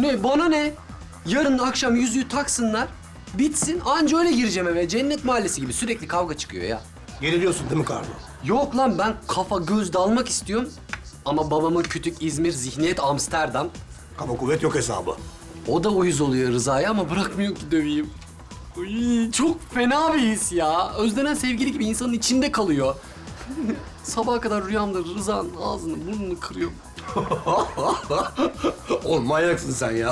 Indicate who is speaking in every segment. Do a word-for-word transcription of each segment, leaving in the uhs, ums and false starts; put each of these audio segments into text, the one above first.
Speaker 1: Ne bana ne? Yarın akşam yüzüğü taksınlar. Bitsin anca öyle gireceğim eve. Cennet mahallesi gibi sürekli kavga çıkıyor ya.
Speaker 2: Geriliyorsun değil mi Karlo?
Speaker 1: Yok lan ben kafa göz dalmak istiyorum. Ama babamın kütük İzmir, zihniyet Amsterdam.
Speaker 2: Kaba kuvvet yok hesabı.
Speaker 1: O da uyuz oluyor Rıza'ya ama bırakmıyor ki döveyim. Uy, çok fena bir his ya. Özlenen sevgili gibi insanın içinde kalıyor. Sabaha kadar rüyamda Rıza'nın ağzını burnunu kırıyorum.
Speaker 2: Oğlum manyaksın sen ya.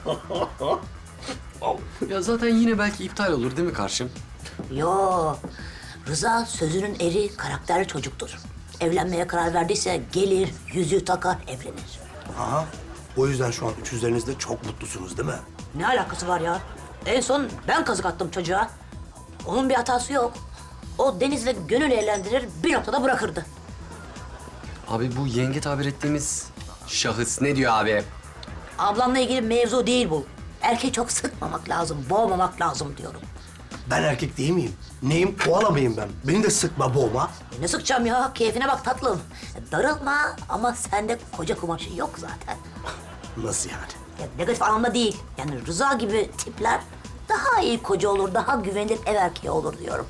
Speaker 1: Ya zaten yine belki iptal olur değil mi karşım?
Speaker 3: Yo, Rıza sözünün eri, karakterli çocuktur. Evlenmeye karar verdiyse gelir, yüzüğü takar, evlenir.
Speaker 2: Aha. O yüzden şu an üçüzlerinizde çok mutlusunuz değil mi?
Speaker 3: Ne alakası var ya? En son ben kazık attım çocuğa. Onun bir hatası yok. O Deniz'le gönül eğlendirir, bir noktada bırakırdı.
Speaker 1: Abi bu yenge tabir ettiğimiz şahıs ne diyor abi?
Speaker 3: Ablamla ilgili mevzu değil bu. Erkeği çok sıkmamak lazım, boğmamak lazım diyorum.
Speaker 2: Ben erkek değil miyim? Neyim? Koala mıyım ben? Beni de sıkma, boğma.
Speaker 3: Ne sıkacağım ya? Keyfine bak tatlım. Darılma ama sende koca kumaşı yok zaten.
Speaker 2: Nasıl yani?
Speaker 3: Ya negatif anlamda değil. Yani Rıza gibi tipler daha iyi koca olur, daha güvenilir ev erkeği olur diyorum.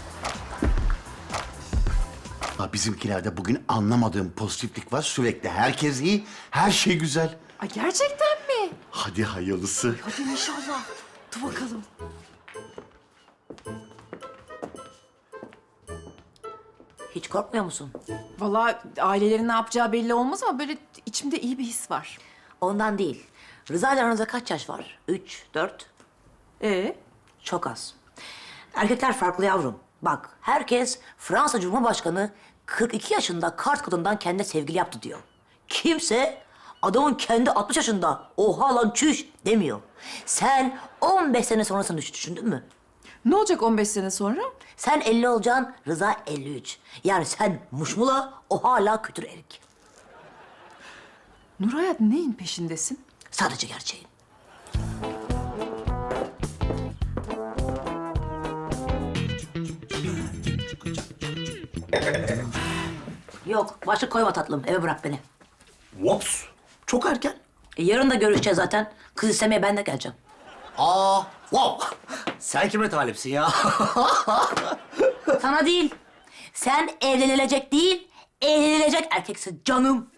Speaker 4: Ha, bizimkilerde bugün anlamadığım pozitiflik var. Sürekli herkes iyi, her şey güzel.
Speaker 5: Ay gerçekten mi?
Speaker 4: Hadi hayırlısı.
Speaker 5: Hadi inşallah. Dur bakalım.
Speaker 3: Hiç korkmuyor musun?
Speaker 5: Vallahi ailelerin ne yapacağı belli olmaz ama böyle içimde iyi bir his var.
Speaker 3: Ondan değil. Rıza ile aranızda kaç yaş var? Üç, dört?
Speaker 5: Ee?
Speaker 3: Çok az. Erkekler farklı yavrum. Bak, herkes Fransa Cumhurbaşkanı kırk iki yaşında kart kadından kendine sevgili yaptı diyor. Kimse adamın kendi altmış yaşında oha lan çüş demiyor. Sen on beş sene sonrasını düş- düşündün mü?
Speaker 5: Ne olacak on beş sene sonra?
Speaker 3: Sen elli olacaksın, Rıza elli üç. Yani sen muşmula, o hala kütür erik.
Speaker 5: Nurhayat neyin peşindesin?
Speaker 3: Sadece gerçeğin. Yok, başlık koyma tatlım. Eve bırak beni.
Speaker 2: Whoops. Çok erken.
Speaker 3: E, yarın da görüşeceğiz zaten. Kız istemeye ben de geleceğim.
Speaker 2: Aa, wow. Sen kime talipsin ya?
Speaker 3: Sana değil. Sen evlenilecek değil, evlenilecek erkeksin canım.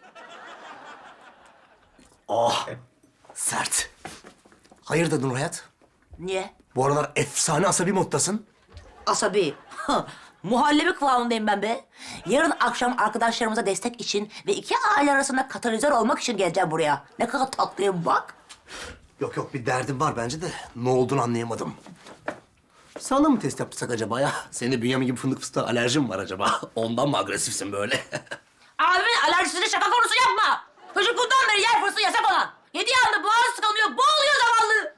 Speaker 2: Ah, sert. Hayırdır Nurhayat?
Speaker 3: Niye?
Speaker 2: Bu aralar efsane asabi moddasın.
Speaker 3: Asabi. Muhallebi kıvamındayım ben be. Yarın akşam arkadaşlarımıza destek için ve iki aile arasında katalizör olmak için geleceğim buraya. Ne kadar tatlıyım bak.
Speaker 2: Yok yok, bir derdim var bence de ne olduğunu anlayamadım. Sana mı test yaptırsak acaba ya? Senin de Bünyamin gibi fındık fıstığa alerjin var acaba? Ondan mı agresifsin böyle?
Speaker 3: Abimin alerjisini şaka konusu yapma. Çocukluğundan beri yer fırsatı yasak olan. Yediği anda boğaz tıkanıyor, boğuluyor zavallı.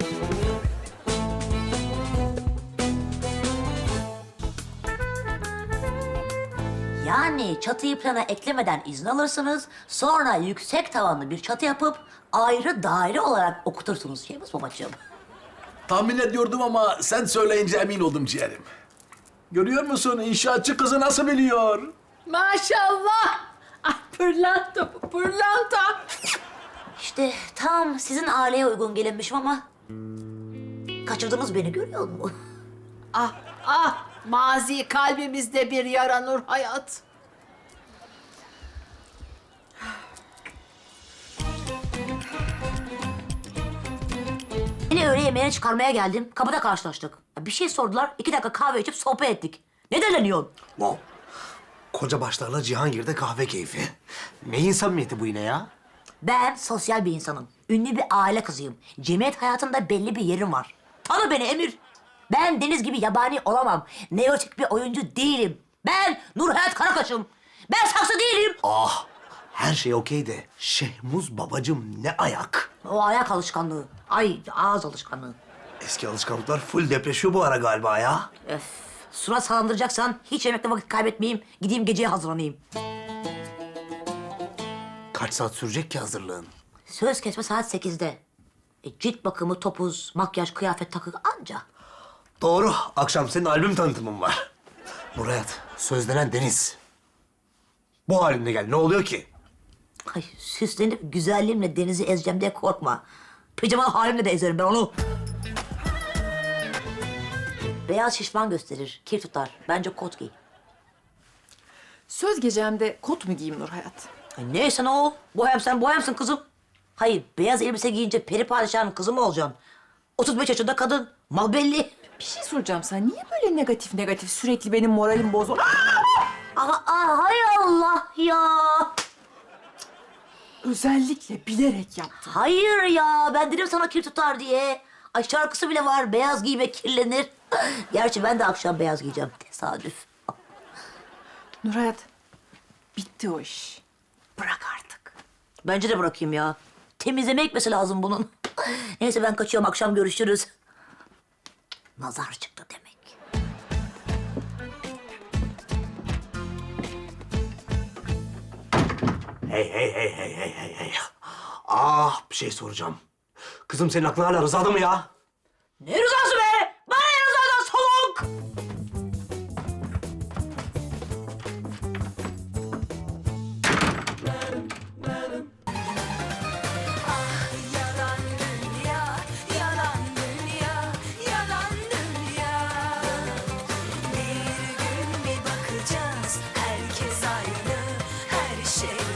Speaker 3: Yani çatıyı plana eklemeden izin alırsınız, sonra yüksek tavanlı bir çatı yapıp ayrı daire olarak okutursunuz Şehmus babacığım.
Speaker 6: Tahmin ediyordum ama sen söyleyince emin oldum ciğerim. Görüyor musun inşaatçı kızı nasıl biliyor?
Speaker 5: Maşallah. Ay pırlanta bu, pırlanta.
Speaker 3: İşte tam sizin aileye uygun gelinmişim ama kaçırdınız beni, görüyor musun?
Speaker 7: Ah ah mazi kalbimizde bir yara Nurhayat.
Speaker 3: Yine öğle yemeğine çıkarmaya geldim. Kapıda karşılaştık. Bir şey sordular. iki dakika kahve içip sohbet ettik. Ne deleniyorsun?
Speaker 2: Wow. Koca başlarla Cihangir'de kahve keyfi. Neyin samimiyeti bu yine ya?
Speaker 3: Ben sosyal bir insanım. Ünlü bir aile kızıyım. Cemiyet hayatında belli bir yerim var. Tanı beni Emir. Ben Deniz gibi yabani olamam. Neotik bir oyuncu değilim. Ben Nurhayat Karakaş'ım. Ben saksı değilim.
Speaker 2: Ah, her şey okey de Şehmuz babacım ne ayak.
Speaker 3: O ayak alışkanlığı. Ay ağız alışkanlığı.
Speaker 2: Eski alışkanlıklar full depreşiyor bu ara galiba ya.
Speaker 3: Öf. Surat salandıracaksan hiç yemekte vakit kaybetmeyeyim. Gideyim geceye hazırlanayım.
Speaker 2: Kaç saat sürecek ki hazırlığın?
Speaker 3: Söz kesme saat sekizde. E, cilt bakımı, topuz, makyaj, kıyafet, takı anca.
Speaker 2: Doğru, akşam senin albüm tanıtımın var. Murat, sözlenen Deniz. Bu halimle gel, ne oluyor ki?
Speaker 3: Ay süslenip güzelliğimle Deniz'i ezeceğim diye korkma. Pijama halimle de ezerim ben onu. Beyaz şişman gösterir, kir tutar. Bence kot giy.
Speaker 5: Söz gecemde kot mu giyeyim Nur Hayat?
Speaker 3: Ay neyse ne ol. Bohem sen bohemsin kızım. Hayır, beyaz elbise giyince peri padişahın kızı mı olacaksın? otuz beş yaşında kadın. Mal belli.
Speaker 5: Bir şey soracağım sana. Niye böyle negatif negatif sürekli benim moralim bozuyor?
Speaker 3: Aa, aa, hay Allah ya.
Speaker 5: Özellikle bilerek yaptım.
Speaker 3: Hayır ya, ben dedim sana kir tutar diye. Ay şarkısı bile var, beyaz giyme kirlenir. Gerçi ben de akşam beyaz giyeceğim, tesadüf.
Speaker 5: Nur Hayat, bitti o iş. Bırak artık.
Speaker 3: Bence de bırakayım ya. Temizleme ekmesi lazım bunun. Neyse ben kaçıyorum, akşam görüşürüz. Nazar çıktı demek.
Speaker 2: Hey hey hey hey hey hey hey. Ah bir şey soracağım. Kızım senin aklın hala Rıza'da mı ya?
Speaker 3: Ne rızası be? Bana ne rızadan soluk?
Speaker 8: Yalan dünya, yalan dünya, yalan dünya. Bir gün bir bakacağız, herkes aynı, her şey